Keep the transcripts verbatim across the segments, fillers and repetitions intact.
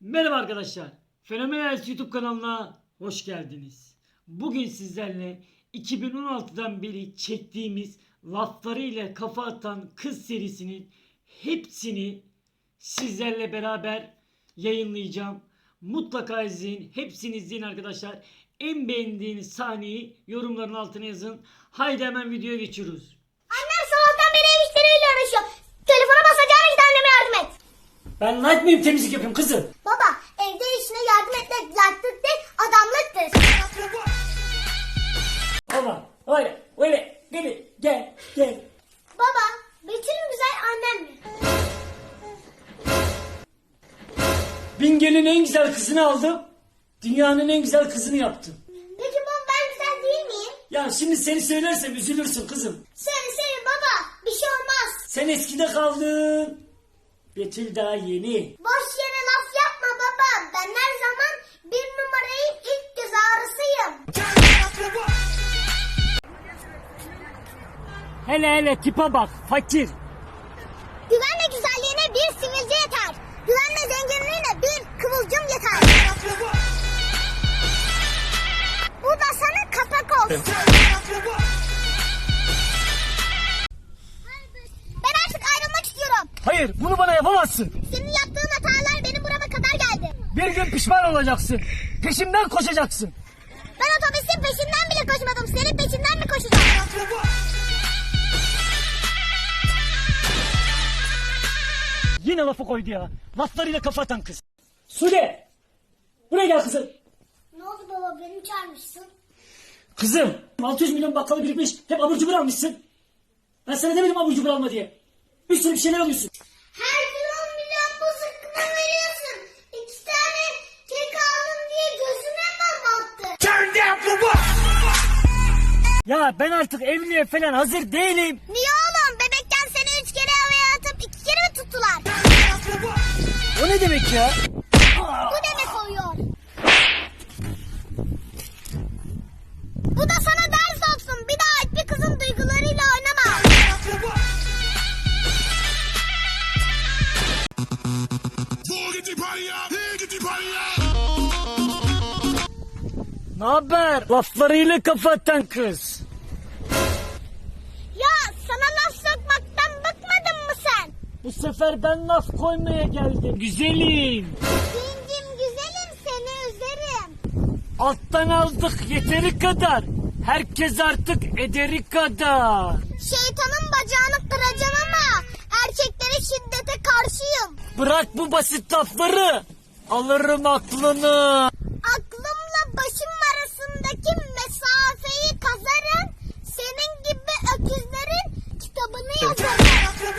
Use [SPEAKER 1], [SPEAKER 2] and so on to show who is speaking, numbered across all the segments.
[SPEAKER 1] Merhaba arkadaşlar. Fenomenal YouTube kanalına hoş geldiniz. Bugün sizlerle iki bin on altıdan beri çektiğimiz laflarıyla kafa atan kız serisinin hepsini sizlerle beraber yayınlayacağım. Mutlaka izleyin. Hepsini izleyin arkadaşlar. En beğendiğiniz sahneyi yorumların altına yazın. Haydi hemen videoya geçiyoruz.
[SPEAKER 2] Annem sabahtan beri ev işleriyle uğraşıyor. Telefona basacağına git anneme yardım et.
[SPEAKER 1] Ben light mıyım, temizlik yapıyorum kızım?
[SPEAKER 2] Baba evde işine yardım etmek layıklık değil adamlıktır.
[SPEAKER 1] Baba öyle öyle gel gel gel.
[SPEAKER 2] Baba Betül mü güzel annem mi?
[SPEAKER 1] Bingöl'ün en güzel kızını aldım. Dünyanın en güzel kızını yaptım.
[SPEAKER 2] Peki baba ben güzel değil miyim?
[SPEAKER 1] Ya şimdi seni söylersem üzülürsün kızım.
[SPEAKER 2] Söyle söyle baba bir şey olmaz.
[SPEAKER 1] Sen eskide kaldın. Betül daha yeni.
[SPEAKER 2] Boş yere laf yapma baba. Ben her zaman bir numarayı ilk göz ağrısıyım.
[SPEAKER 1] Hele hele tipe bak fakir.
[SPEAKER 2] Güvenle güzelliğine bir sivilce yeter. Güvenle zenginliğine bir kıvılcım yeter. Bu da sana kapak olsun. Ben artık ayrılmak istiyorum.
[SPEAKER 1] Hayır bunu bana yapamazsın.
[SPEAKER 2] Senin yaptığın hatalar benim burama kadar geldi.
[SPEAKER 1] Bir gün pişman olacaksın. Peşimden koşacaksın.
[SPEAKER 2] Ben otobüsün peşinden bile koşmadım. Senin peşinden mi koşacağım?
[SPEAKER 1] Yine lafı koydu ya. Laflarıyla kafa atan kız. Sude. Buraya gel kızım.
[SPEAKER 2] Ne oldu baba beni çağırmışsın?
[SPEAKER 1] Kızım altı yüz milyon bakkalı birikmiş. Hep abur cubur almışsın. Ben sana demedim abur cubur alma diye. Bir sürü bir şeyler alıyorsun.
[SPEAKER 2] Her gün on milyon bu zıkkına veriyorsun. İki tane kek aldım diye gözüme mi battı?
[SPEAKER 1] Turn down for what? Ya ben artık evliliğe falan hazır değilim.
[SPEAKER 2] Niye oğlum? Bebekken seni üç kere havaya atıp iki kere mi tuttular?
[SPEAKER 1] O ne demek ya?
[SPEAKER 2] Bu demek oluyor. Bu da sana ders olsun. Bir daha hiçbir kızın duygularıyla oynama.
[SPEAKER 1] Ne haber? Laflarıyla kafa atan kız.
[SPEAKER 2] Ya sana laf sokmaktan bıkmadın mı sen?
[SPEAKER 1] Bu sefer ben laf koymaya geldim. Güzelim.
[SPEAKER 2] Gencim güzelim seni üzerim.
[SPEAKER 1] Alttan aldık yeteri kadar. Herkes artık ederi kadar.
[SPEAKER 2] Şeytanın bacağını kıracağım ama erkeklere şiddete karşıyım.
[SPEAKER 1] Bırak bu basit lafları. Alırım aklını.
[SPEAKER 2] Aklımla başım arasındaki mesafeyi kazarım. Senin gibi öküzlerin kitabını yazarım.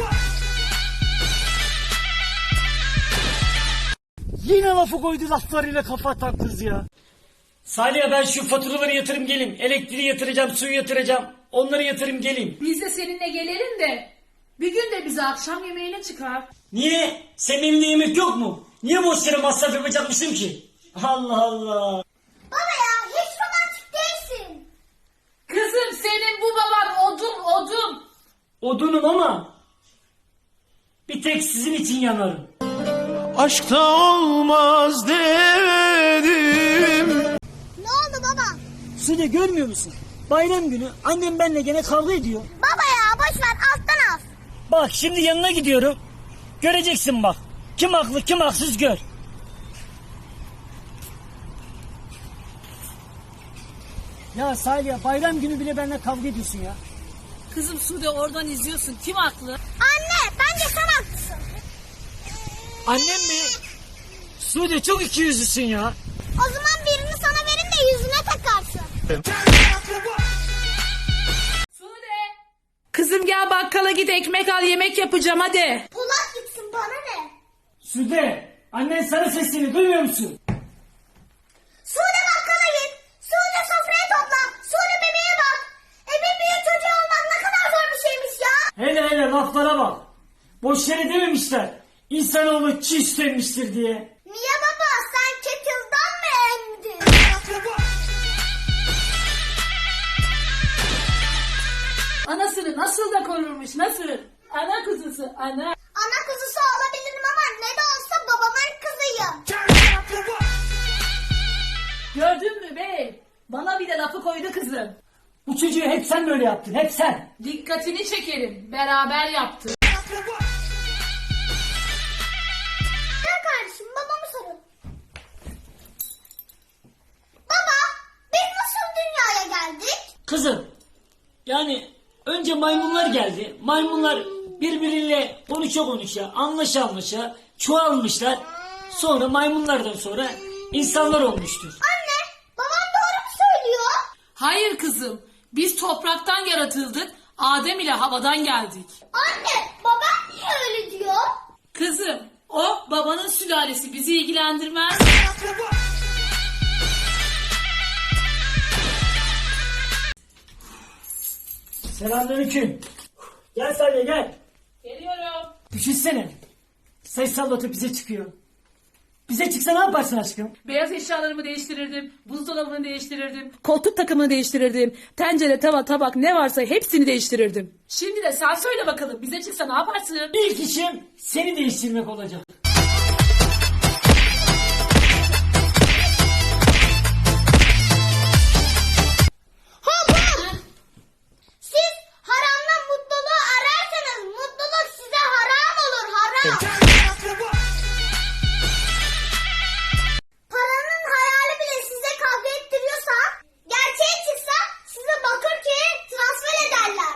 [SPEAKER 1] Yine lafı koydu laflarıyla kafa atan kız ya. Salih'e ben şu faturaları yatırım gelin. Elektriği yatıracağım, suyu yatıracağım. Onları yatırım gelin.
[SPEAKER 3] Biz de seninle gelelim de bir gün de bize akşam yemeğine çıkar.
[SPEAKER 1] Niye? Senin evinde yemek yok mu? Niye boş yere masraf yapacakmışım ki? Allah Allah.
[SPEAKER 2] Baba ya hiç romantik değilsin.
[SPEAKER 3] Kızım senin bu baban odun odun.
[SPEAKER 1] Odunum ama bir tek sizin için yanarım.
[SPEAKER 4] Aşkta olmaz dedim.
[SPEAKER 2] Ne oldu baba?
[SPEAKER 1] Sude görmüyor musun? Bayram günü annem benimle gene kavga ediyor.
[SPEAKER 2] Baba ya boş ver alttan al.
[SPEAKER 1] Bak şimdi yanına gidiyorum. Göreceksin bak. Kim haklı kim haksız gör. Ya Salih bayram günü bile benimle kavga ediyorsun ya.
[SPEAKER 3] Kızım Sude oradan izliyorsun. Kim haklı?
[SPEAKER 2] Anne bence sen haklısın.
[SPEAKER 1] Annem mi? Sude çok ikiyüzlüsün ya.
[SPEAKER 2] O zaman birini sana verin de yüzüne takarsın.
[SPEAKER 3] Sude. Kızım gel bakkala git ekmek al yemek yapacağım hadi.
[SPEAKER 2] Polat gitsin bana ne?
[SPEAKER 1] Sude annen sana sesleniyor duymuyor musun?
[SPEAKER 2] Sude bakkala git. Sude sofrayı topla. Sude bebeğe bak. E bir büyük çocuğu olmak ne kadar zor bir şeymiş ya.
[SPEAKER 1] Hele hele laflara bak. Boş yere dememişler. İnsanoğlu çiğ istenmiştir diye.
[SPEAKER 2] Niye baba sen kettle'dan mı emdin?
[SPEAKER 3] Anasını nasıl da korurmuş nasıl? Ana kuzusu ana.
[SPEAKER 2] Ana kuzusu olabilirim ama ne de olsa babamın kızıyım.
[SPEAKER 3] koydu kızım.
[SPEAKER 1] Bu çocuğu hep sen böyle yaptın, hep sen.
[SPEAKER 3] Dikkatini çekerim. Beraber yaptık.
[SPEAKER 2] Gel kardeşim babamı sorun. Baba biz nasıl dünyaya geldik?
[SPEAKER 1] Kızım, yani önce maymunlar geldi. Maymunlar birbiriyle konuşa konuşa, anlaşa anlaşa çoğalmışlar. Sonra maymunlardan sonra insanlar olmuştur.
[SPEAKER 2] Anne babam doğru mu söylüyor?
[SPEAKER 3] Hayır kızım. Biz topraktan yaratıldık. Adem ile havadan geldik.
[SPEAKER 2] Anne babam niye öyle diyor?
[SPEAKER 3] Kızım o babanın sülalesi bizi ilgilendirmez.
[SPEAKER 1] Selamünaleyküm. Gel Salih gel.
[SPEAKER 3] Geliyorum.
[SPEAKER 1] Düşünsene. Ses sallatıp bize çıkıyor. Bize çıksa ne yaparsın aşkım?
[SPEAKER 3] Beyaz eşyalarımı değiştirirdim. Buzdolabını değiştirirdim. Koltuk takımını değiştirirdim. Tencere, tava, tabak ne varsa hepsini değiştirirdim. Şimdi de sen söyle bakalım bize çıksa ne yaparsın?
[SPEAKER 1] İlk işim seni değiştirmek olacak.
[SPEAKER 2] Hocam! Siz haramdan mutluluğu ararsanız mutluluk size haram olur haram. Paranın hayali bile size kavga ettiriyorsa gerçeği çıksa size Bakırköy'e transfer ederler.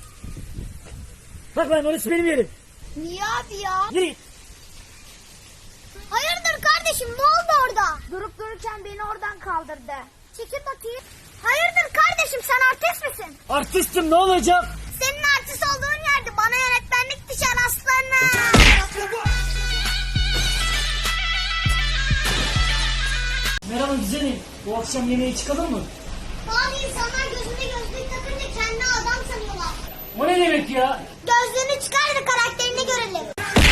[SPEAKER 1] Bak lan orası benim yerim.
[SPEAKER 2] Niye abi ya?
[SPEAKER 1] Yürü git.
[SPEAKER 2] Hayırdır kardeşim ne oldu orada? Durup dururken beni oradan kaldırdı. Çekil bakayım. Hayırdır kardeşim sen artist misin?
[SPEAKER 1] Artistim ne olacak?
[SPEAKER 2] Senin artist olduğun yerde bana yönetmenlik düşer aslanım.
[SPEAKER 1] Merhaba güzelim. Bu akşam yemeğe çıkalım mı?
[SPEAKER 2] Bazı insanlar gözüne gözlük takınca kendini adam sanıyorlar.
[SPEAKER 1] O ne demek ya?
[SPEAKER 2] Gözlüğünü çıkar da karakterini görelim.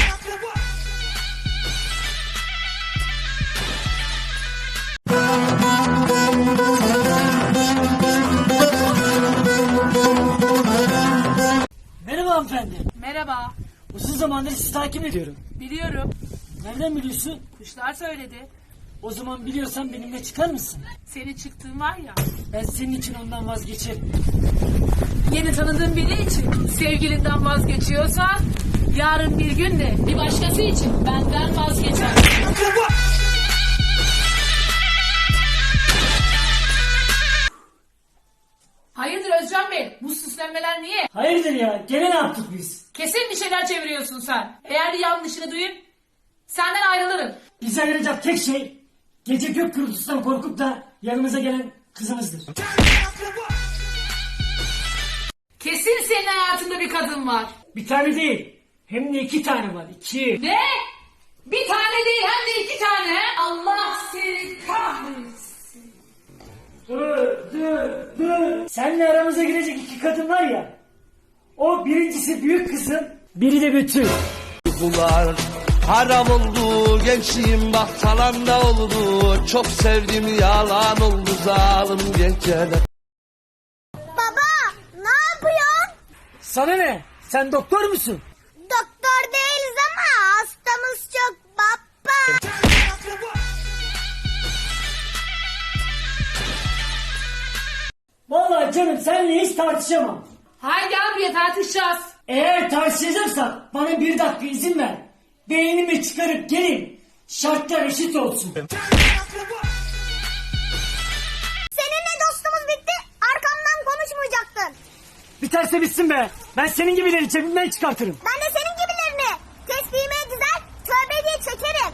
[SPEAKER 1] Merhaba hanımefendi.
[SPEAKER 3] Merhaba.
[SPEAKER 1] Uzun zamandır sizi takip ediyorum.
[SPEAKER 3] Biliyorum.
[SPEAKER 1] Nereden biliyorsun?
[SPEAKER 3] Kuşlar söyledi.
[SPEAKER 1] O zaman biliyorsan benimle çıkar mısın?
[SPEAKER 3] Senin çıktığın var ya.
[SPEAKER 1] Ben senin için ondan vazgeçerim.
[SPEAKER 3] Yeni tanıdığın biri için sevgilinden vazgeçiyorsan yarın bir gün de bir başkası için benden vazgeçer. Hayırdır Özcan Bey? Bu süslenmeler niye?
[SPEAKER 1] Hayırdır ya? Gene ne yaptık biz?
[SPEAKER 3] Kesin bir şeyler çeviriyorsun sen. Eğer bir yanlışını duyup senden ayrılırım.
[SPEAKER 1] Bize ayıracak tek şey gece gök gürültüsünden korkup da yanımıza gelen kızımızdır.
[SPEAKER 3] Kesin senin hayatında bir kadın var.
[SPEAKER 1] Bir tane değil. Hem de iki tane var. İki.
[SPEAKER 3] Ne? Bir tane değil hem de iki tane. he? Allah seni kahretsin.
[SPEAKER 1] Dur, dur, dur. Seninle aramıza girecek iki kadın var ya. O birincisi büyük kızım. Biri de Betül.
[SPEAKER 4] Uykular haram oldu, gençliğim bak salanda oldu. Çok sevdim yalan oldu zalim geceler.
[SPEAKER 2] Baba ne yapıyorsun?
[SPEAKER 1] Sana ne? Sen doktor musun?
[SPEAKER 2] Doktor değiliz ama hastamız çok baba.
[SPEAKER 1] Vallahi canım seninle hiç tartışamam.
[SPEAKER 3] Haydi abi tartışacağız.
[SPEAKER 1] Eğer tartışacaksak bana bir dakika izin ver. Beynimi çıkarıp gelin. Şartlar eşit olsun.
[SPEAKER 2] Seninle dostumuz bitti arkamdan konuşmayacaktın.
[SPEAKER 1] Biterse bitsin be. Ben senin gibileri cebimden çıkartırım.
[SPEAKER 2] Ben de senin gibilerini tesbihime dizer tövbe diye çekerim.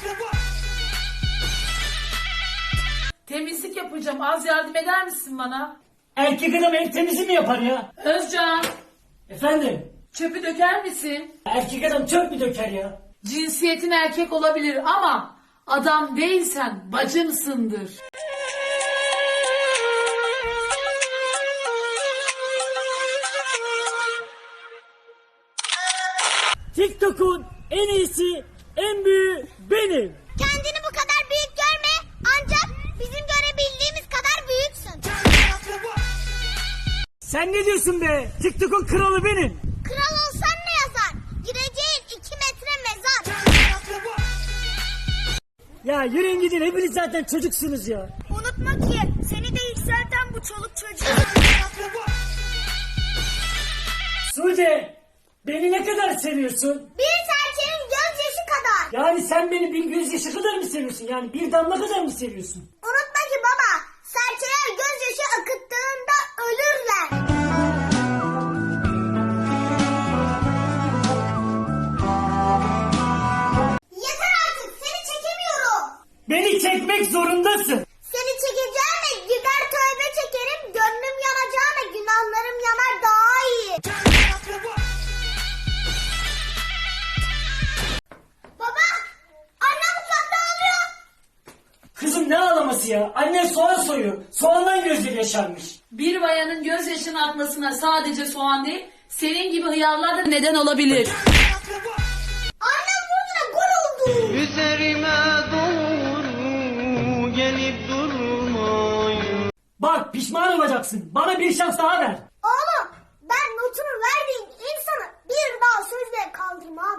[SPEAKER 3] Temizlik yapacağım. Az yardım eder misin bana?
[SPEAKER 1] Erkek adam el temizi mi yapar ya?
[SPEAKER 3] Özcan,
[SPEAKER 1] Efendim?
[SPEAKER 3] çöpü döker misin?
[SPEAKER 1] Erkek adam çöp mü döker ya?
[SPEAKER 3] Cinsiyetin erkek olabilir ama adam değilsen bacımsındır.
[SPEAKER 1] TikTok'un en iyisi, en büyüğü benim.
[SPEAKER 2] Kendini bu kadar büyük görme ancak bizim görebildiğimiz kadar büyüksün.
[SPEAKER 1] Sen ne diyorsun be? TikTok'un kralı benim.
[SPEAKER 2] Kral olsan ne yazar? Gireceğin iki metre mezar.
[SPEAKER 1] Ya yürüyün gidin hepiniz zaten çocuksunuz ya.
[SPEAKER 2] Unutma ki seni de yükselten bu çoluk çocuğu.
[SPEAKER 1] Sude, beni ne kadar seviyorsun?
[SPEAKER 2] Bir serçenin gözyaşı kadar.
[SPEAKER 1] Yani sen beni bir gözyaşı kadar mı seviyorsun? Yani bir damla kadar mı seviyorsun?
[SPEAKER 2] Unutma ki baba, serçeler gözyaşı akıttığında ölürler. Yeter artık, seni çekemiyorum.
[SPEAKER 1] Beni çekmek zorundasın.
[SPEAKER 2] Seni çekeceğime gider tövbe çekerim, gönlüm yanacağına günahlarım yanar daha iyi. Baba, annem mutfakta ağlıyor.
[SPEAKER 1] Kızım ne ağlaması ya? Annen soğan soyuyor. Soğandan gözleri yaşarmış.
[SPEAKER 3] Bir bayanın gözyaşının akmasına sadece soğan değil, senin gibi hıyarlar da neden olabilir.
[SPEAKER 2] Annem burnuna gol oldu.
[SPEAKER 4] Üzerime doğru gelip durmayın.
[SPEAKER 1] Bak pişman olacaksın. Bana bir şans daha ver.
[SPEAKER 2] Oğlum, ben notunu verdiğim insanı bir daha sözle kaldırmam.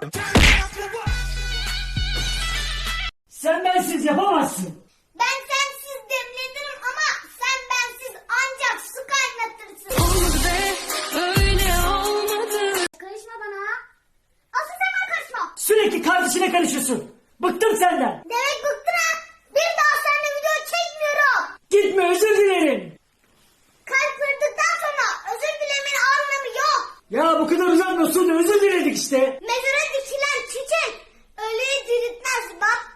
[SPEAKER 1] Sen bensiz yapamazsın.
[SPEAKER 2] Ben sensiz demlenirim ama sen bensiz ancak su kaynatırsın.
[SPEAKER 3] Olmadı be, öyle olmadı.
[SPEAKER 2] Karışma bana. Asıl sen bana karışma.
[SPEAKER 1] Sürekli kardeşine karışıyorsun. Bıktım senden.
[SPEAKER 2] Demek bıktın ha. Bir daha seninle video çekmiyorum.
[SPEAKER 1] Gitme, özür dilerim.
[SPEAKER 2] Kalp kırdıktan sonra özür dilemenin anlamı yok.
[SPEAKER 1] Ya bu kadar uzatma Sude, özür diledik işte.
[SPEAKER 2] Mezara dikilen çiçek ölüyü diriltmez baba.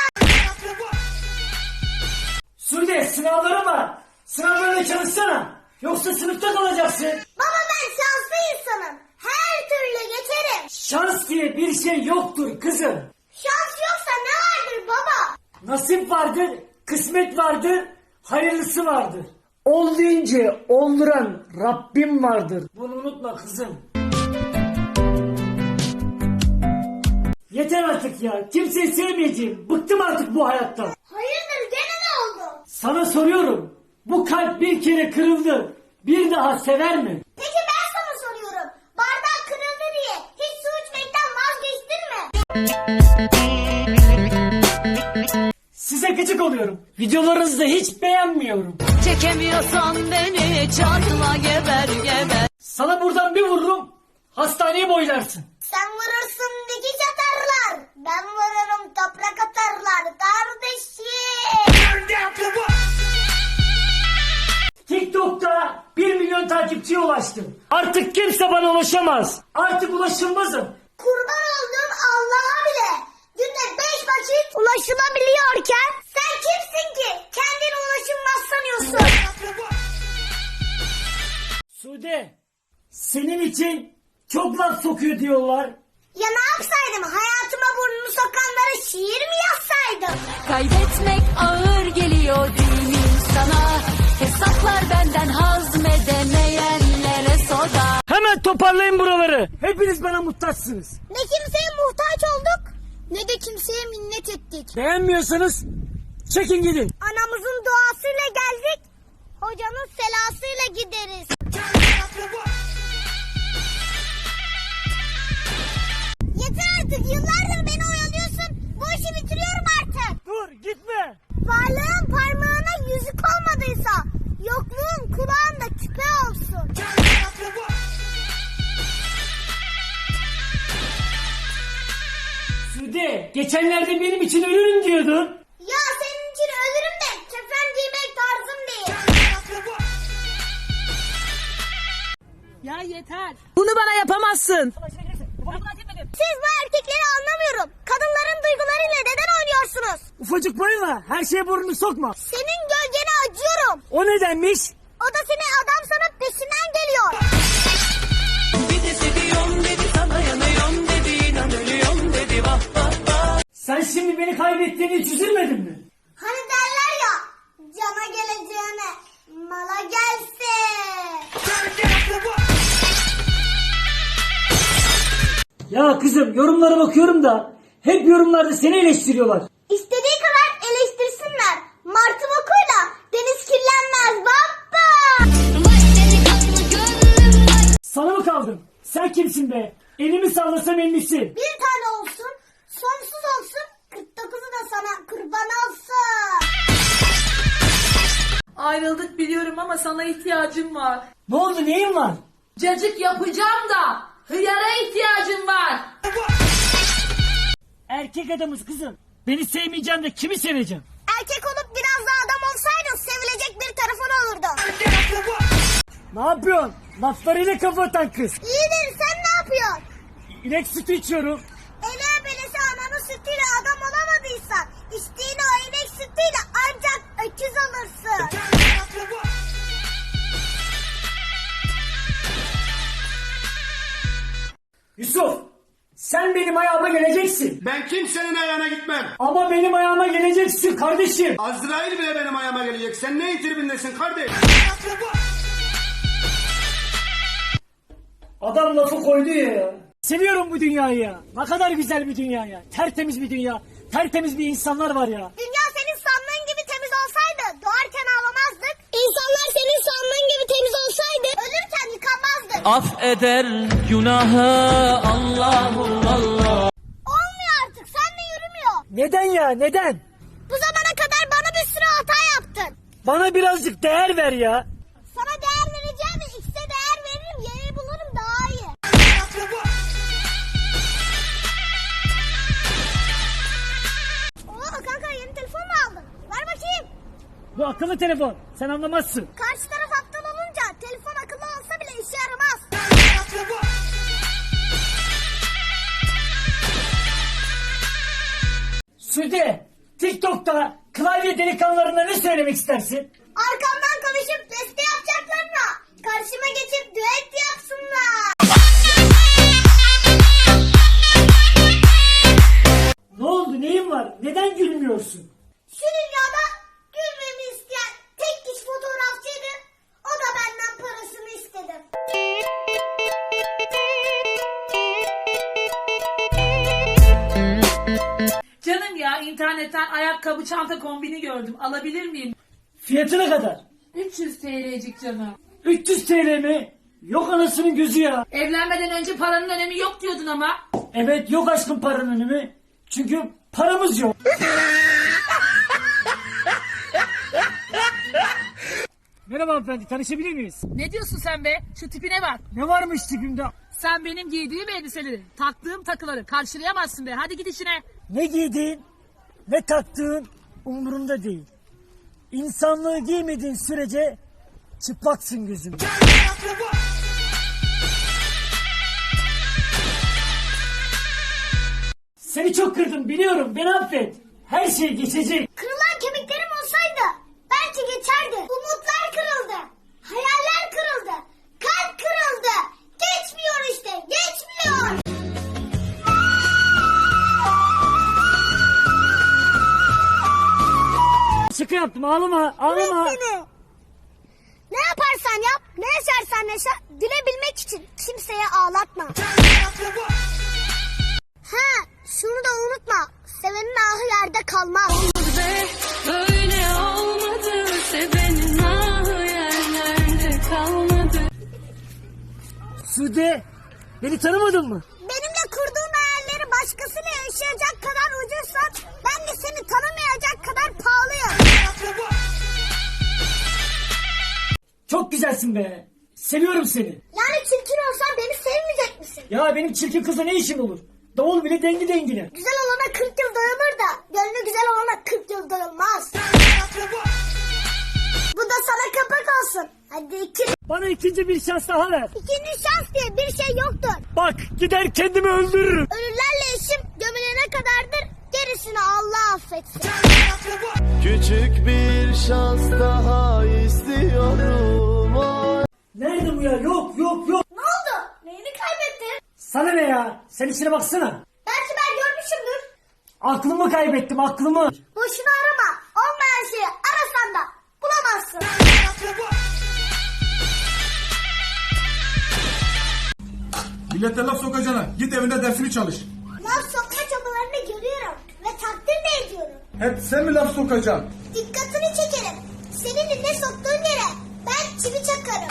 [SPEAKER 1] Sude, sınavlara var. Sınavlarına çalışsana. Yoksa sınıfta kalacaksın.
[SPEAKER 2] Baba ben şanslı insanım. Her türlü geçerim.
[SPEAKER 1] Şans diye bir şey yoktur kızım.
[SPEAKER 2] Şans yoksa ne vardır baba?
[SPEAKER 1] Nasip vardır, kısmet vardır, hayırlısı vardır. Ol deyince olduran Rabbim vardır. Bunu unutma kızım. Yeter artık ya. Kimseyi sevmeyeceğim. Bıktım artık bu hayattan.
[SPEAKER 2] Hayırdır gene ne oldu?
[SPEAKER 1] Sana soruyorum. Bu kalp bir kere kırıldı. Bir daha sever mi?
[SPEAKER 2] Peki ben sana soruyorum. Bardak kırıldı diye hiç su içmekten vazgeçtin mi?
[SPEAKER 1] Size gıcık oluyorum. Videolarınızı da hiç beğenmiyorum.
[SPEAKER 3] Çekemiyorsan beni çarpma geber geber.
[SPEAKER 1] Sana buradan bir vururum. Hastaneye boylarsın.
[SPEAKER 2] Sen vurursun dikiş atarlar. Ben vururum toprak atarlar kardeşim.
[SPEAKER 1] TikTok'ta bir milyon takipçiye ulaştım. Artık kimse bana ulaşamaz. Artık ulaşılmazım.
[SPEAKER 2] Kurban olduğum Allah'a bile günde beş vakit ulaşılabiliyorken sen kimsin ki kendine ulaşılmaz sanıyorsun?
[SPEAKER 1] Sude, senin için çok laf sokuyor diyorlar.
[SPEAKER 2] Ya ne yapsaydım? Hayatıma burnunu sokanlara şiir mi yazsaydım?
[SPEAKER 3] Kaybetmek ağır geliyor değil mi sana? Hesaplar benden hazmedemeyenlere soda.
[SPEAKER 1] Hemen toparlayın buraları. Hepiniz bana muhtaçsınız.
[SPEAKER 2] Ne kimseye muhtaç olduk ne de kimseye minnet ettik.
[SPEAKER 1] Beğenmiyorsanız çekin gidin.
[SPEAKER 2] Anamızın duasıyla geldik, hocanın selasıyla gideriz. Yeter artık, yıllardır beni oyalıyorsun. Bu işi bitiriyorum artık.
[SPEAKER 1] Dur gitme.
[SPEAKER 2] Varlığın parmağına yüzük olmadıysa yokluğun kulağında küpe olsun.
[SPEAKER 1] Sude, geçenlerde benim için ölürüm diyordun.
[SPEAKER 2] Ya senin için ölürüm de kefen giymek tarzım değil.
[SPEAKER 3] Ya yeter. Bunu bana yapamazsın.
[SPEAKER 2] Siz bu erkekleri anlamıyorum. Kadınların duygularıyla neden oynuyorsunuz?
[SPEAKER 1] Ufacık boyunla her şeye burnunu sokma.
[SPEAKER 2] Senin gölgene acıyorum.
[SPEAKER 1] O nedenmiş?
[SPEAKER 2] O da seni adam sanıp peşinden geliyor.
[SPEAKER 1] Sen şimdi beni kaybettiğini hiç üzülmedin mi?
[SPEAKER 2] Hani derler ya, cana geleceğine mala gelse.
[SPEAKER 1] Ya kızım, yorumlara bakıyorum da hep yorumlarda seni eleştiriyorlar.
[SPEAKER 2] İstediği kadar eleştirsinler. Martı bokuyla deniz kirlenmez baba.
[SPEAKER 1] Sana mı kaldım? Sen kimsin be? Elimi sallasam ellisi.
[SPEAKER 2] Bir tane olsun, sonsuz olsun, kırk dokuzu da sana kurban olsun.
[SPEAKER 3] ayrıldık biliyorum ama sana ihtiyacım var.
[SPEAKER 1] Ne oldu, neyin var?
[SPEAKER 3] Cacık yapacağım da hıyara ihtiyacım var.
[SPEAKER 1] Erkek adamız kızım. Beni sevmeyeceğim de kimi seveceğim?
[SPEAKER 2] Erkek olup biraz daha adam olsaydın sevilecek bir tarafın olurdu.
[SPEAKER 1] Ne yapıyorsun? Laflarıyla kafa atan kız.
[SPEAKER 2] İyidir, sen ne yapıyorsun?
[SPEAKER 1] İnek sütü içiyorum.
[SPEAKER 2] Ele belesi ananın sütüyle adam olamadıysan içtiğin o inek sütüyle ancak öküz alırsın.
[SPEAKER 1] Yusuf, sen benim ayağıma geleceksin.
[SPEAKER 5] Ben kimsenin ayağına gitmem.
[SPEAKER 1] Ama benim ayağıma geleceksin kardeşim.
[SPEAKER 5] Azrail bile benim ayağıma gelecek. Sen ne tribindesin kardeş?
[SPEAKER 1] Adam lafı koydu ya. Seviyorum bu dünyayı ya. Ne kadar güzel bir dünya ya. Tertemiz bir dünya. Tertemiz bir insanlar var ya.
[SPEAKER 2] Dünya senin sandığın gibi temiz olsaydı doğarken ağlamazdık. İnsanlar senin sandığın gibi temiz olsaydı ölürken yıkanmazdık.
[SPEAKER 6] Affeder günahı Allahu Allah.
[SPEAKER 2] Olmuyor artık, sen de yürümüyor.
[SPEAKER 1] Neden ya, neden?
[SPEAKER 2] Bu zamana kadar bana bir sürü hata yaptın.
[SPEAKER 1] Bana birazcık değer ver ya.
[SPEAKER 2] Sana değer vereceğim ve X'e değer veririm, Y'yi bulurum daha iyi. Oo kanka, yeni telefon mu aldın? Ver bakayım.
[SPEAKER 1] Bu akıllı telefon. Sen anlamazsın.
[SPEAKER 2] Karşı taraf aptal olunca telefon akıllı olsa bile işe yaramaz.
[SPEAKER 1] Sude, TikTok'ta klavye delikanlılarına ne söylemek istersin?
[SPEAKER 2] Arkamdan konuşup beste yapacaklarına karşıma geçip düet yapsınlar.
[SPEAKER 1] Ne oldu, neyin var? Neden gülmüyorsun?
[SPEAKER 2] Şu dünyada gülmemi isteyen tek kişi fotoğrafçıydı. O da benden parasını istedi.
[SPEAKER 3] Canım ya, internetten ayakkabı çanta kombini gördüm. Alabilir miyim?
[SPEAKER 1] Fiyatı ne kadar?
[SPEAKER 3] üç yüz T L'cik canım.
[SPEAKER 1] üç yüz T L mi? Yok anasının gözü ya.
[SPEAKER 3] Evlenmeden önce paranın önemi yok diyordun ama.
[SPEAKER 1] Evet, yok aşkın paranın önemi. Çünkü paramız yok. Merhaba hanımefendi, tanışabilir miyiz?
[SPEAKER 3] Ne diyorsun sen be? Şu tipine bak.
[SPEAKER 1] Ne varmış tipimde?
[SPEAKER 3] Sen benim giydiğim elbiseleri, taktığım takıları karşılayamazsın be. Hadi git işine.
[SPEAKER 1] Ne giydiğin, ne taktığın umurumda değil. İnsanlığı giymediğin sürece çıplaksın gözümde. Seni çok kırdım biliyorum, beni affet. Her şey geçecek.
[SPEAKER 2] Kırılan kemiklerim olsaydı belki geçerdi. Umutlar kırıldı. Hayaller kırıldı. Kalp kırıldı. Geçmiyor işte. Geçmiyor.
[SPEAKER 1] Şaka yaptım, ağlama, ağlama.
[SPEAKER 2] Beni. Ne yaparsan yap, ne yaşarsan yaşa, gülebilmek için kimseye ağlatma. Ha, şunu da unutma. Sevenin ahı yerde kalmaz.
[SPEAKER 7] Böyle olmadı, sevenin ahı yerlerde kalmadı.
[SPEAKER 1] Sude, beni tanımadın mı?
[SPEAKER 2] Benimle kurduğun hayalleri başkasıyla yaşayacak kadar ucuzsan, ben de seni tanımayacak kadar pahalıyım.
[SPEAKER 1] Çok güzelsin be. Seviyorum seni.
[SPEAKER 2] Yani çirkin olsan beni sevmeyecek misin?
[SPEAKER 1] Ya benim çirkin kızla ne işim olur? Davul bile dengi dengine.
[SPEAKER 2] Güzel olana kırk yıl dayanır da, gönlü güzel olana kırk yıl dayanmaz. Bu da sana kapak olsun. Hadi iki.
[SPEAKER 1] Bana ikinci bir şans daha ver.
[SPEAKER 2] İkinci şans diye bir şey yoktur.
[SPEAKER 1] Bak, gider kendimi öldürürüm.
[SPEAKER 2] Ölülerle işim gömülene kadardır. Gerisini Allah affetsin.
[SPEAKER 4] Küçük bir şans daha istiyorum. Oy.
[SPEAKER 1] Nerede bu ya? Yok yok yok.
[SPEAKER 2] Ne oldu? Neyini kaybettin?
[SPEAKER 1] Sana ne ya? Sen işine baksana.
[SPEAKER 2] Belki ben görmüşümdür.
[SPEAKER 1] Aklımı kaybettim, aklımı.
[SPEAKER 2] Boşuna arama. Olmayan şeyi arasan da bulamazsın.
[SPEAKER 8] Millete laf sokacağına git evinde dersini çalış.
[SPEAKER 2] Laf sokma çabalarını görüyorum ve takdir de ediyorum.
[SPEAKER 8] Hep sen mi laf sokacaksın?
[SPEAKER 2] Dikkatini çekerim. Senin eline soktuğun yere ben çivi çakarım.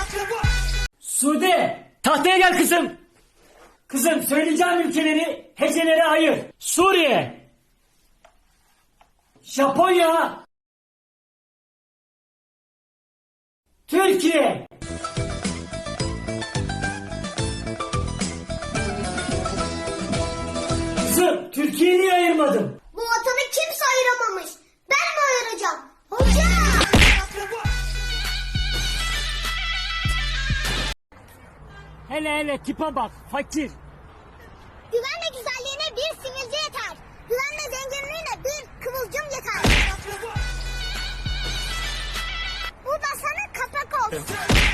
[SPEAKER 1] Sude, tahtaya gel kızım. Kızım, söyleyeceğim ülkeleri hecelere ayır. Suriye, Japonya, Türkiye. Kızım, Türkiye'yi niye ayırmadın?
[SPEAKER 2] Bu vatanı kimse ayıramamış. Ben mi ayıracağım? Hocam!
[SPEAKER 1] Hele hele tipe bak, fakir.
[SPEAKER 2] Güvenle güzelliğine bir sivilce yeter. Güvenle zenginliğine bir kıvılcım yeter. Bu da sana kapak olsun.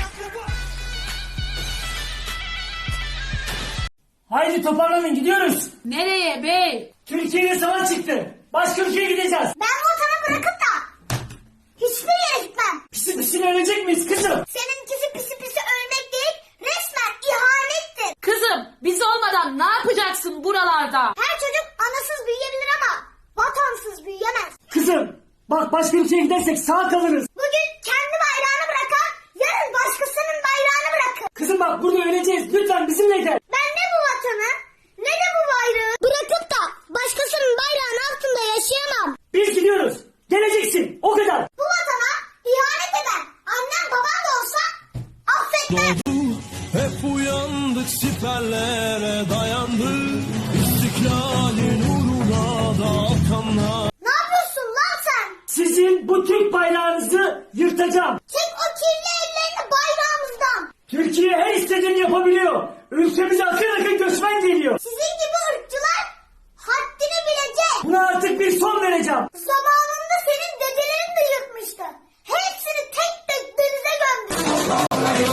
[SPEAKER 1] Haydi toparlanın, gidiyoruz.
[SPEAKER 3] Nereye bey?
[SPEAKER 1] Türkiye'ye savaş çıktı. Başka ülkeye gideceğiz.
[SPEAKER 2] Ben bu vatanı bırakıp da hiçbir yere gitmem.
[SPEAKER 1] Pisi pisine ölecek miyiz kızım?
[SPEAKER 2] Seninkisi pisi pisi ölmek değil, resmen ihanettir.
[SPEAKER 3] Kızım biz olmadan ne yapacaksın buralarda?
[SPEAKER 2] Her çocuk anasız büyüyebilir ama vatansız büyüyemez.
[SPEAKER 1] Kızım, bak başka ülkeye gidersek sağ kalırız.
[SPEAKER 2] Bugün kendi bayrağını bırakan, yarın başkasının bayrağını bırakır.
[SPEAKER 1] Kızım bak burada öleceğiz. Lütfen bizimle gel.
[SPEAKER 2] Ben ne bu vatanı, ne de bu bayrağı bırakıp da başkasının bayrağının altında yaşayamam.
[SPEAKER 1] Biz gidiyoruz. Geleceksin. O kadar.
[SPEAKER 2] Bu vatana ihanet eden annem babam da olsa affetmem.
[SPEAKER 4] Hep uyandık siperlere dayandık. İstiklalin uğruna da kanlar.
[SPEAKER 2] Ne yapıyorsun lan sen?
[SPEAKER 1] Sizin bu Türk bayrağınızı yırtacağım.
[SPEAKER 2] Çek o kirli ellerini bayrağımızdan.
[SPEAKER 1] Türkiye her istediğini yapabiliyor. Ülkemize akın akın göçmen geliyor.
[SPEAKER 2] Sizin gibi ırkçılar haddini bilecek.
[SPEAKER 1] Buna artık bir son vereceğim.
[SPEAKER 2] Zamanında senin dedelerin de yırtmıştı. Hepsini tek tek denize gömdü.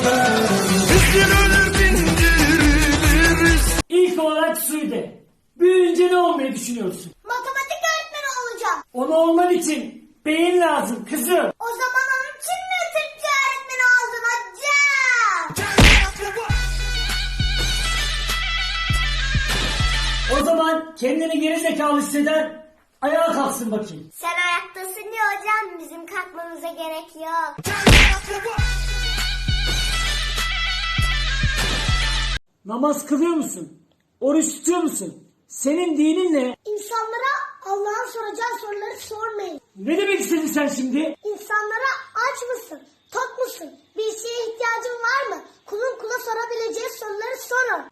[SPEAKER 1] İlk olarak Suudi. Büyüyünce ne olmayı düşünüyorsun?
[SPEAKER 2] Matematik öğretmeni olacağım.
[SPEAKER 1] Onu olman için beyin lazım kızım.
[SPEAKER 2] O zaman onun için mi Türkçe öğretmeni oldun hocam?
[SPEAKER 1] O zaman kendini geri zekalı hisseden ayağa kalksın bakayım.
[SPEAKER 2] Sen ayaktasın ya hocam, bizim kalkmamıza gerek yok.
[SPEAKER 1] Namaz kılıyor musun? Oruç tutuyor musun? Senin dinin ne?
[SPEAKER 2] İnsanlara Allah'ın soracağı soruları sormayın.
[SPEAKER 1] Ne demek istedin sen şimdi?
[SPEAKER 2] İnsanlara aç mısın? Tok musun? Bir şeye ihtiyacın var mı? Kulun kula sorabileceği soruları sorun.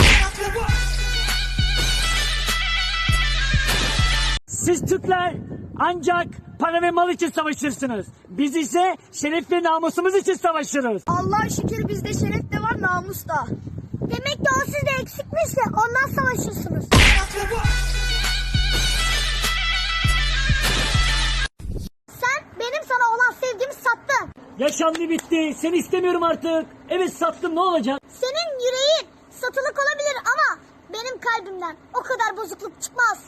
[SPEAKER 1] Siz Türkler ancak para ve mal için savaşırsınız. Biz ise şeref ve namusumuz için savaşırız.
[SPEAKER 2] Allah'a şükür bizde şeref de var, namus da. Demek ki o sizde eksikmiş de ondan savaşırsınız. Sen benim sana olan sevgimi sattın.
[SPEAKER 1] Yaşandı bitti. Seni istemiyorum artık. Evet sattım, ne olacak?
[SPEAKER 2] Senin yüreğin satılık olabilir ama benim kalbimden o kadar bozukluk çıkmaz.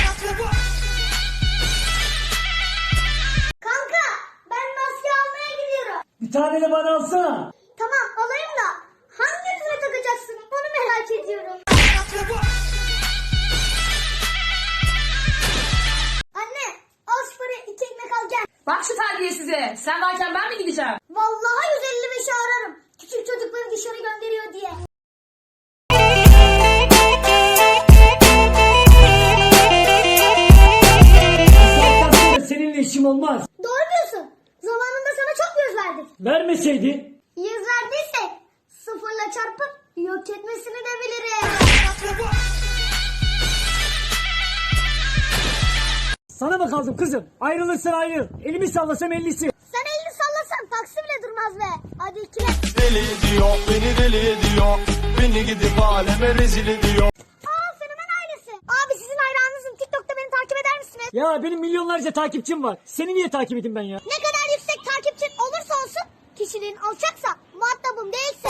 [SPEAKER 2] Kanka, ben maske almaya gidiyorum.
[SPEAKER 1] Bir tane de bana alsana.
[SPEAKER 2] Tamam, alayım da hangi yüzüne takacaksın onu merak ediyorum. Anne, al şu parayı, iki ekmek al gel.
[SPEAKER 3] Bak şu terbiyesize. Sen varken ben mi gideceğim?
[SPEAKER 2] Vallahi yüz elli beşi ararım. Küçük çocukları dışarı gönderiyor diye.
[SPEAKER 1] Saatten sonra seninle işim olmaz.
[SPEAKER 2] Doğru diyorsun. Zamanında sana çok yüz verdik.
[SPEAKER 1] Vermeseydin.
[SPEAKER 2] Yüz verdiysek sıfırla çarpıp yok etmesini de bilirim.
[SPEAKER 1] Sana mı kaldım kızım? Ayrılırsan ayrıl. Elimi sallasam ellisi.
[SPEAKER 2] Sen elini sallasan taksi bile durmaz be. Hadi ikile.
[SPEAKER 4] Deli diyor, beni deli ediyor. Beni gidip aleme rezil ediyor.
[SPEAKER 2] Aa, Fenomen ailesi. Abi sizin hayranınızım. TikTok'ta beni takip eder misiniz?
[SPEAKER 1] Ya benim milyonlarca takipçim var. Seni niye takip edeyim ben ya?
[SPEAKER 2] Ne kadar yüksek takipçin olursa olsun, kişiliğin alçaksa, muhatabım değilse.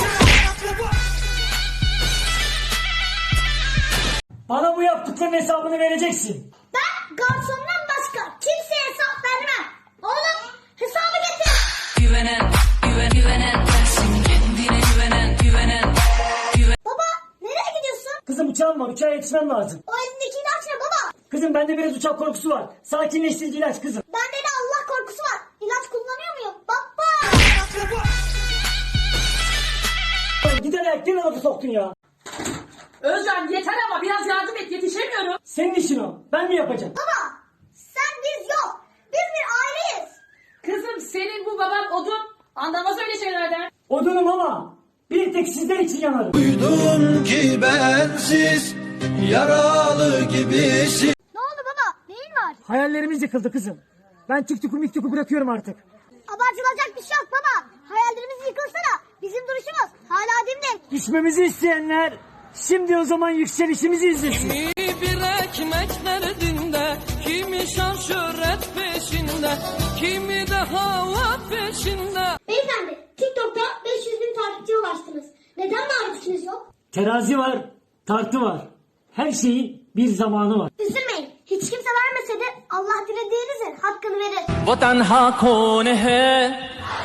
[SPEAKER 1] Bana bu yaptıkların hesabını vereceksin.
[SPEAKER 2] Ben garsondan başka kimseye hesap vermem. Oğlum, hesabı getir.
[SPEAKER 7] Güvenen, güven, güvenen sensin. Kendine güvenen, güvenen.
[SPEAKER 2] Baba, nereye gidiyorsun?
[SPEAKER 1] Kızım uçağım var. Uçağa yetişmem lazım.
[SPEAKER 2] O elindeki ilaç ne baba?
[SPEAKER 1] Kızım bende biraz uçak korkusu var. Sakinleştirici ilaç kızım.
[SPEAKER 2] Bende de Allah korkusu var. İlaç kullanıyor muyum? Baba.
[SPEAKER 1] Gider ayak ne lafı soktun ya?
[SPEAKER 3] Özcan yeter ama biraz yardım et, yetişemiyorum.
[SPEAKER 1] Senin işin o. Ben mi yapacağım?
[SPEAKER 2] Baba, sen biz yok. Biz bir aileyiz.
[SPEAKER 3] Kızım senin bu baban odun, Anlamaz öyle şeylerden.
[SPEAKER 1] Odunum ama bir tek sizler için yanarım.
[SPEAKER 4] Duydum ki bensiz yaralı gibisin.
[SPEAKER 2] Ne oldu baba? Neyin var?
[SPEAKER 1] Hayallerimiz yıkıldı kızım. Ben TikTok'u miktoku bırakıyorum artık.
[SPEAKER 2] Abartılacak bir şey yok baba. Hayallerimiz yıkılsa da bizim duruşumuz hala dimdik.
[SPEAKER 1] Düşmemizi isteyenler şimdi o zaman yükselişimizi izlesin.
[SPEAKER 6] Kimi bir ekmek derdinde, kimi şan şöhret peşinde, kimi de hava peşinde.
[SPEAKER 2] Beyefendi, TikTok'ta beş yüz bin takipçiye ulaştınız. Neden marifetiniz yok?
[SPEAKER 1] Terazi var, tartı var. Her şeyin bir zamanı var.
[SPEAKER 2] Üzülmeyin. Hiç kimse vermese de Allah dilediğinizin hakkını verir.
[SPEAKER 6] वतन हा कौन है?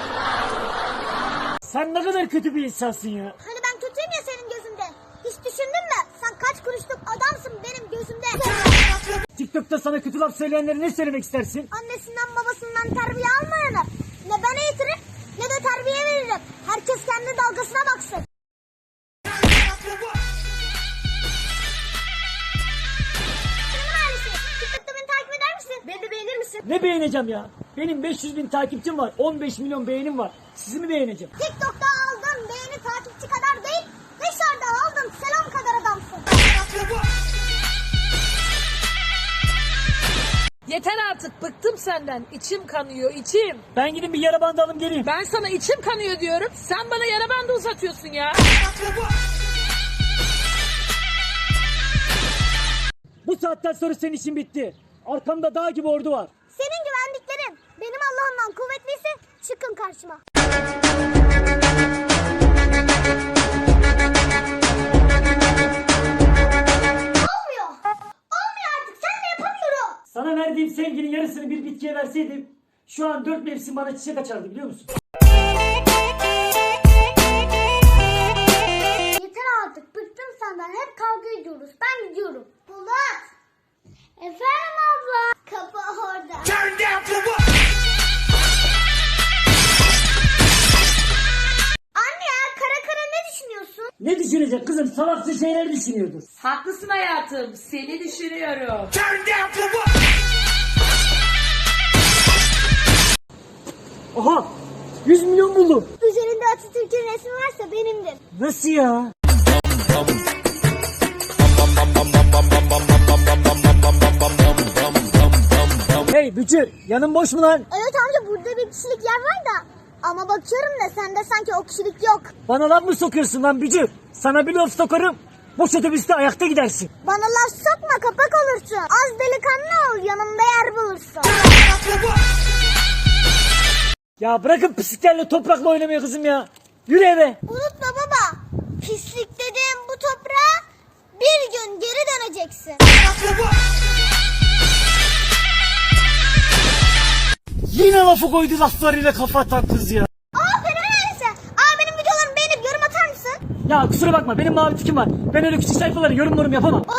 [SPEAKER 1] Sen ne kadar kötü bir insansın ya.
[SPEAKER 2] Hani ben kötüyüm ya senin gözünde. Hiç düşündün mü? Sen kaç kuruşluk adamsın benim gözümde.
[SPEAKER 1] TikTok'ta sana kötü laf söyleyenlere ne söylemek istersin?
[SPEAKER 2] Annesinden babasından terbiye almayanı ne ben eğitirim ne de terbiye veririm. Herkes kendi dalgasına baksın. Senin ailesi. TikTok'ta beni takip eder misin? Beni de beğenir misin?
[SPEAKER 1] Ne beğeneceğim ya? Benim beş yüz bin takipçim var. on beş milyon beğenim var. Sizi mi beğeneceğim?
[SPEAKER 2] TikTok'ta aldığın beğeni takipçi kadar değil, dışarıda aldığın selam kadar adamsın.
[SPEAKER 3] Yeter artık, bıktım senden. İçim kanıyor, içim.
[SPEAKER 1] Ben gidin bir yara bandı alayım geleyim.
[SPEAKER 3] Ben sana içim kanıyor diyorum. Sen bana yara bandı uzatıyorsun ya.
[SPEAKER 1] Bu saatten sonra senin işin bitti. Arkamda dağ gibi ordu var.
[SPEAKER 2] Senin güvendiklerin benim Allah'ımdan kuvvetliyse çıkın karşıma. Olmuyor. Olmuyor artık. Sen de yapamıyorum.
[SPEAKER 1] Sana verdiğim sevginin yarısını bir bitkiye verseydim şu an dört mevsim bana çiçek açardı biliyor musun?
[SPEAKER 2] Yeter artık. Bıktım senden. Hep kavga ediyoruz. Ben gidiyorum. Polat. Efendim abla. Kapı orada. Anne ya kara kara ne düşünüyorsun?
[SPEAKER 1] Ne düşünecek kızım? Salaksız şeyler düşünüyordur.
[SPEAKER 3] Haklısın hayatım. Seni düşünüyorum.
[SPEAKER 1] Aha! yüz milyon buldum.
[SPEAKER 2] Üzerinde Atatürk'ün resmi varsa benimdir.
[SPEAKER 1] Nasıl ya? Hey Bücür, yanın boş mu lan?
[SPEAKER 2] Evet amca burada bir kişilik yer var da. Ama bakıyorum da sende sanki o kişilik yok.
[SPEAKER 1] Bana laf mı sokuyorsun lan Bücür? Sana bir laf sokarım. Boş otobüste ayakta gidersin.
[SPEAKER 2] Bana laf sokma kapak olursun. Az delikanlı ol yanımda yer bulursun.
[SPEAKER 1] Ya bırakın pisliklerle toprakla oynamayı kızım ya. Yürü eve.
[SPEAKER 2] Unutma baba. Pislik dediğim bu toprağa bir gün geri döneceksin.
[SPEAKER 1] Yine lafı koydu laflarıyla kafa atan kız ya.
[SPEAKER 2] Aa fenomen ailesi. Aa benim videolarımı beğenip yorum atar mısın?
[SPEAKER 1] Ya kusura bakma benim mavi tikim var. Ben öyle küçük sayfalara yorum yorum yapamam.
[SPEAKER 2] O